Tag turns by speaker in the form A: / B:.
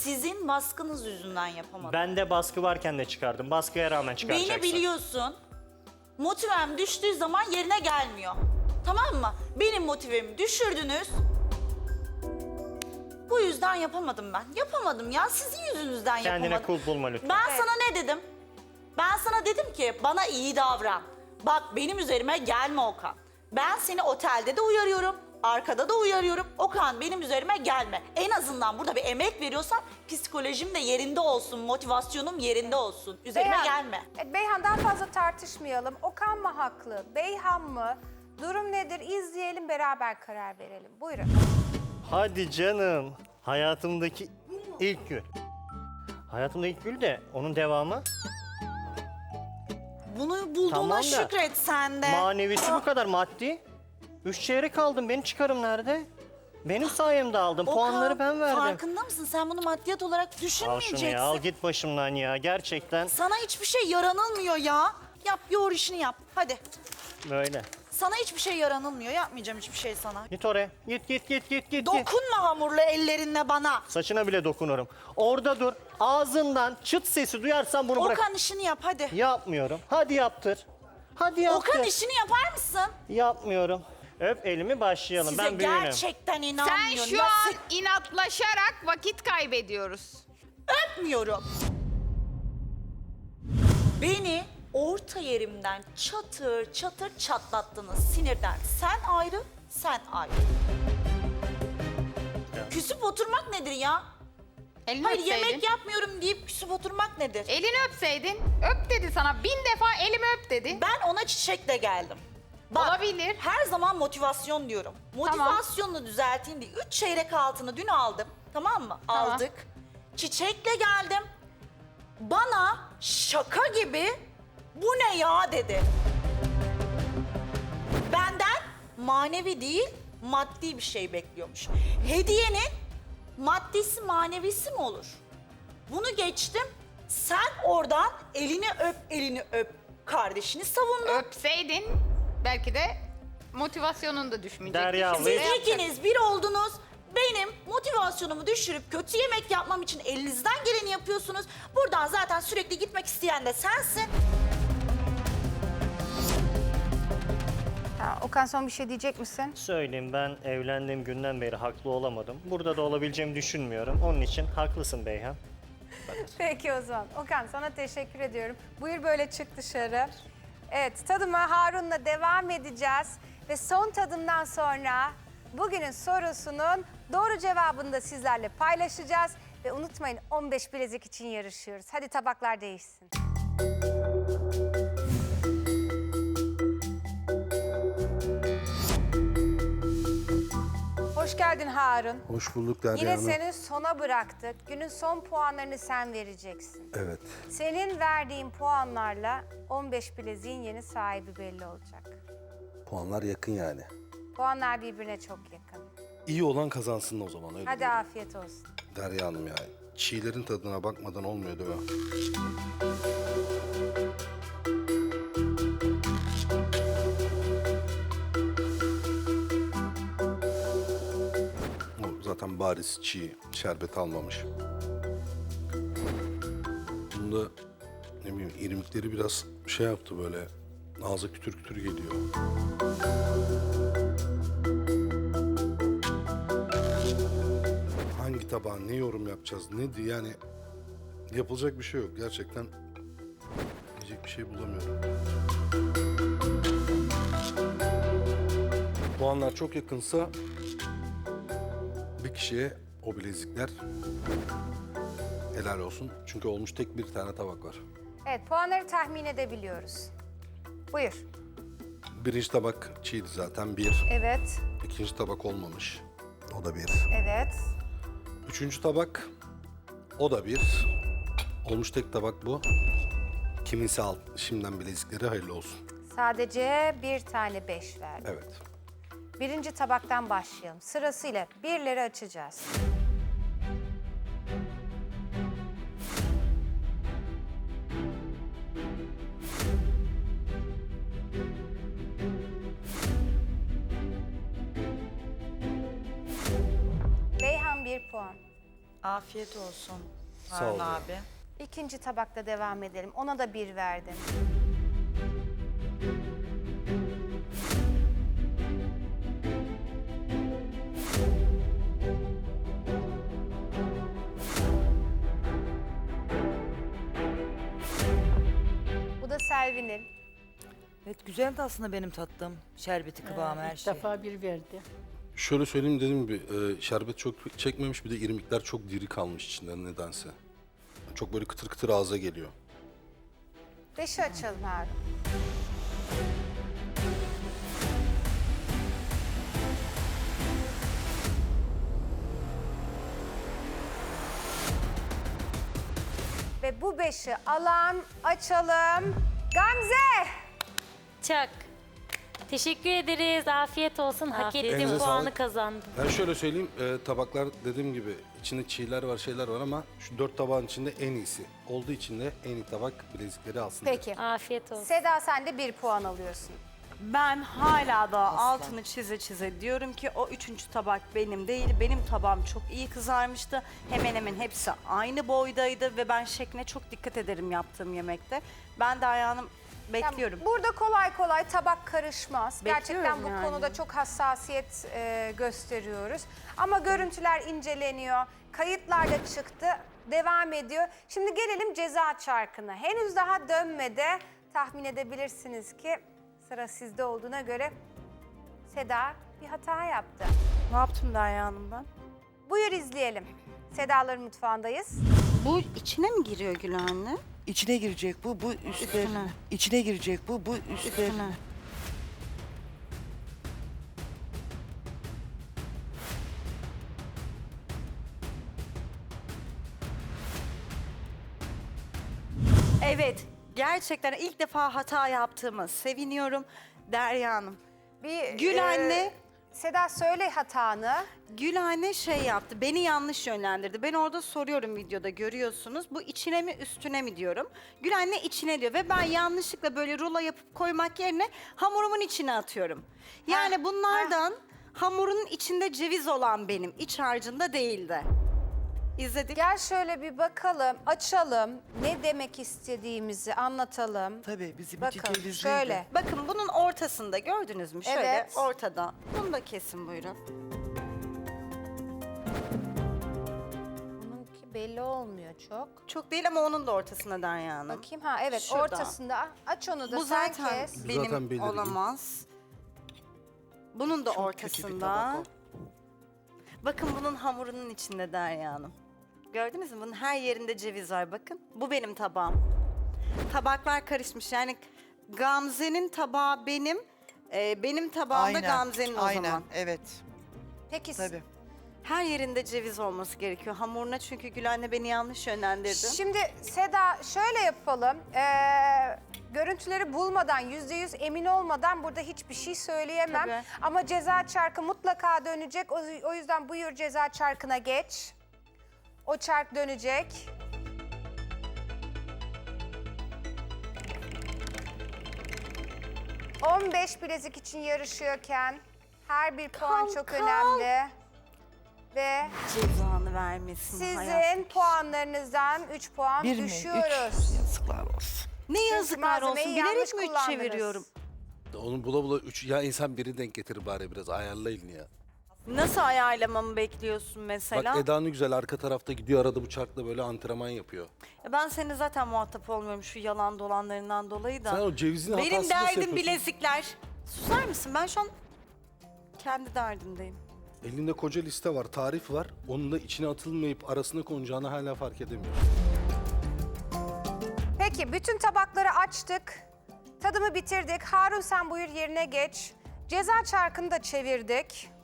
A: Sizin baskınız yüzünden yapamadım.
B: Ben de baskı varken de çıkardım. Baskıya rağmen çıkaracaksın.
A: Beni biliyorsun. Motivem düştüğü zaman yerine gelmiyor. Tamam mı? Benim motivemi düşürdünüz. Bu yüzden yapamadım ben. Yapamadım ya. Sizin yüzünüzden
B: Kendine
A: yapamadım.
B: kul bulma lütfen.
A: Ben sana ne dedim? Ben sana dedim ki bana iyi davran. Bak benim üzerime gelme Okan. Ben seni otelde de uyarıyorum. Arkada da uyarıyorum. Okan benim üzerime gelme. En azından burada bir emek veriyorsam psikolojim de yerinde olsun. Motivasyonum yerinde olsun. Üzerime gelme.
C: Beyhan daha fazla tartışmayalım. Okan mı haklı, Beyhan mı? Durum nedir? İzleyelim, beraber karar verelim. Buyurun.
B: Hadi canım. Hayatımdaki ilk gün. Hayatımda ilk gün de onun devamı.
A: Bunu bulduğuna
B: Tamam da,
A: şükret sen de.
B: Manevisi bu kadar, maddi. 3 çeyrek aldım. Benim çıkarım nerede? Benim sayemde aldım.
A: Okan,
B: Puanları ben verdim.
A: farkında mısın? Sen bunu maddiyat olarak
B: Al şunu
A: düşünmeyeceksin.
B: ya, al git başımdan ya. Gerçekten
A: Sana hiçbir şey yaranılmıyor ya. Yap, yoğur işini yap. Hadi.
B: böyle.
A: Sana hiçbir şey yaranılmıyor. Yapmayacağım hiçbir şey sana.
B: Git oraya. Git.
A: Dokunma hamurlu ellerinle bana.
B: Saçına bile dokunurum. Orada dur. Ağzından çıt sesi duyarsan bunu bırak.
A: Okan işini yap hadi.
B: Yapmıyorum. Hadi yaptır. Hadi yaptır.
A: Okan işini yapar mısın?
B: Yapmıyorum. Öp elimi, başlayalım.
A: Size
B: Ben büyüğünüm.
A: gerçekten
D: Sen
A: inanmıyorum.
D: şu
A: Ya
D: an inatlaşarak vakit kaybediyoruz.
A: öpmüyorum. Beni orta yerimden çatır çatır çatlattınız sinirden. Sen ayrı, sen ayrı.
B: Ya.
A: Küsüp oturmak nedir ya?
D: Elini
A: Hayır
D: öpseydin.
A: yemek yapmıyorum deyip küsüp oturmak nedir?
D: Elini öpseydin. Öp dedi sana. 1000 defa elimi öp dedi.
A: Ben ona çiçekle geldim. Bak,
D: Olabilir.
A: her zaman motivasyon diyorum. Motivasyonunu düzelteyim diye 3 çeyrek altını dün aldım. Tamam mı?
D: Tamam.
A: Aldık. Çiçekle geldim. Bana şaka gibi bu ne ya dedi. Benden manevi değil maddi bir şey bekliyormuş. Hediyenin maddisi manevisi mi olur? Bunu geçtim. Sen oradan elini öp kardeşini savundun.
D: Öpseydin belki de motivasyonun da düşmeyecekti.
B: Derya
D: Şimdi
B: abla-
D: ne
A: Siz
D: yapacaksın?
A: ikiniz bir oldunuz. Benim motivasyonumu düşürüp kötü yemek yapmam için elinizden geleni yapıyorsunuz. Buradan zaten sürekli gitmek isteyen de sensin.
C: Okan son bir şey diyecek misin?
B: Söyleyeyim, ben evlendiğim günden beri haklı olamadım. Burada da olabileceğimi düşünmüyorum. Onun için haklısın Beyhan.
C: Peki o zaman. Okan sana teşekkür ediyorum. Buyur böyle çık dışarı. Evet tadıma Harun'la devam edeceğiz. Ve son tadımdan sonra bugünün sorusunun doğru cevabını da sizlerle paylaşacağız. Ve unutmayın 15 bilezik için yarışıyoruz. Hadi tabaklar değişsin. Hoş geldin Harun.
E: Hoş bulduk Derya
C: Yine
E: Hanım.
C: seni sona bıraktık. Günün son puanlarını sen vereceksin.
E: Evet.
C: Senin verdiğin puanlarla 15 bileziğin yeni sahibi belli olacak.
E: Puanlar yakın yani.
C: Puanlar birbirine çok yakın.
E: İyi olan kazansın o zaman öyle
C: Hadi
E: diyorum.
C: afiyet olsun.
E: Derya Hanım ya. Çiğlerin tadına bakmadan olmuyor değil mi? O zaten bariz çiğ, şerbet almamış. Bunda ne bileyim irmikleri biraz şey yaptı böyle, ağza kütür kütür geliyor. Hangi tabağa ne yorum yapacağız, ne diye yani yapılacak bir şey yok. Gerçekten diyecek bir şey bulamıyorum. Puanlar çok yakınsa bir kişiye o bilezikler helal olsun. Çünkü olmuş tek bir tane tabak var.
C: Evet puanları tahmin edebiliyoruz. Buyur.
E: Birinci tabak çiğdi zaten bir.
C: Evet,
E: İkinci tabak olmamış. O da bir.
C: evet.
E: Üçüncü tabak o da bir. Olmuş tek tabak bu. Kiminse al. Şimdiden bilezikleri hayırlı olsun.
C: Sadece bir tane 5 verdi.
E: Evet.
C: Birinci tabaktan başlayalım. Sırasıyla birleri açacağız. Beyhan 1 puan.
A: Afiyet olsun
E: Sağ
A: Harun
E: ol.
A: abi.
C: İkinci tabakta devam edelim. Ona da 1 verdim. Bu da Selvi'nin.
F: Evet güzeldi aslında benim tattığım. Şerbeti, kıvamı, her
G: İlk
F: şey.
G: defa bir verdi.
E: Şöyle söyleyeyim, dediğim gibi şerbet çok çekmemiş, bir de irmikler çok diri kalmış içinden nedense. Çok böyle kıtır kıtır ağza geliyor.
C: 5'i açalım Harun. Ve bu 5'i alan, açalım. Gamze!
H: Çak. Teşekkür ederiz. Afiyet olsun. Hak
A: Afiyet
H: ettiğim
E: Elinize
H: puanı
E: sağlık.
H: kazandım.
E: Ben şöyle söyleyeyim, tabaklar dediğim gibi içinde çiğler var, şeyler var ama şu 4 tabağın içinde en iyisi. Olduğu için de en iyi tabak bilezikleri alsın.
C: Peki.
H: Afiyet olsun.
C: Seda sen de 1 puan alıyorsun.
I: Ben hala da altını çize çize diyorum ki o 3. tabak benim değil. Benim tabağım çok iyi kızarmıştı. Hemen hemen hepsi aynı boydaydı ve ben şekline çok dikkat ederim yaptığım yemekte. Ben de ayağını bekliyorum.
C: Yani burada kolay kolay tabak karışmaz. Gerçekten
I: Bekliyorum
C: bu
I: yani.
C: konuda çok hassasiyet gösteriyoruz. Ama görüntüler inceleniyor. Kayıtlar da çıktı. Devam ediyor. Şimdi gelelim ceza çarkına. Henüz daha dönmedi. Tahmin edebilirsiniz ki sıra sizde olduğuna göre Seda bir hata yaptı.
I: Ne yaptım Derya Hanım ben?
C: Buyur izleyelim. Sedaların mutfağındayız.
I: Bu içine mi giriyor Gül anne?
F: İçine girecek bu üstler.
I: Üstüne.
F: İçine girecek bu üstler.
I: Üstüne. Evet, gerçekten ilk defa hata yaptığımı seviniyorum Derya Hanım. Gül anne.
C: Seda söyle hatanı.
I: Gül anne şey yaptı, beni yanlış yönlendirdi. Ben orada soruyorum videoda, görüyorsunuz. Bu içine mi üstüne mi diyorum. Gül anne içine diyor ve ben yanlışlıkla böyle rulo yapıp koymak yerine hamurumun içine atıyorum. Yani bunlardan hamurun içinde ceviz olan benim, iç harcında değildi. İzledik.
C: Gel şöyle bir bakalım, açalım. Ne demek istediğimizi anlatalım.
F: Tabii bizim
C: Bakın
F: iki cevizliydi.
C: şöyle.
I: Bakın bunun ortasında gördünüz mü? Şöyle
C: Evet.
I: ortada. Bunu da kesin buyurun.
C: Bununki belli olmuyor çok.
I: Çok değil ama onun da ortasında Derya Hanım.
C: Bakayım ha evet
I: Şurada.
C: ortasında. Aç onu da
I: Bu
C: sen
I: zaten
C: kes.
I: benim
E: Zaten belirgin.
I: olamaz. Bunun da
F: Çok kötü bir
I: ortasında.
F: tabak o.
I: Bakın bunun hamurunun içinde Derya Hanım. Gördünüz mü? Bunun her yerinde ceviz var bakın. Bu benim tabağım. Tabaklar karışmış. Yani Gamze'nin tabağı benim. Benim tabağım da Gamze'nin o
F: aynen,
I: zaman.
F: evet.
C: Peki
F: Tabii.
I: Her yerinde ceviz olması gerekiyor. Hamuruna çünkü Gül anne beni yanlış yönlendirdi.
C: şimdi Seda şöyle yapalım. Görüntüleri bulmadan, %100 emin olmadan burada hiçbir şey söyleyemem.
I: Tabii.
C: Ama ceza çarkı mutlaka dönecek. O yüzden buyur ceza çarkına geç. O çark dönecek. ...15 bilezik için yarışıyorken... ...her bir puan çok önemli. Ve
I: Cezanı vermesin hayat.
C: sizin puanlarınızdan 3 puan
F: Bir mi?
C: düşüyoruz.
F: Üç. Yazıklar olsun.
I: Ne yazıklar olsun.
C: malzemeyi
I: Bilerek
C: yanlış
I: mi üç
C: kullandınız.
I: çeviriyorum?
E: Onu bula bula 3, ya insan biri denk getir bari, biraz ayarlayın ya.
I: Nasıl ayarlamamı bekliyorsun mesela?
E: Bak Eda ne güzel arka tarafta gidiyor, arada bıçakla böyle antrenman yapıyor.
I: Ben senin zaten muhatap olmuyorum şu yalan dolanlarından dolayı da.
E: Sen o cevizin
I: Benim
E: hatasını nasıl
I: derdim
E: yapıyorsun?
I: bilezikler. Susar mısın? Ben şu an kendi derdimdeyim.
E: Elinde koca liste var, tarif var. Onun da içine atılmayıp arasına konacağını hala fark edemiyor.
C: Peki bütün tabakları açtık. Tadımı bitirdik. Harun sen buyur yerine geç. Ceza çarkını da çevirdik.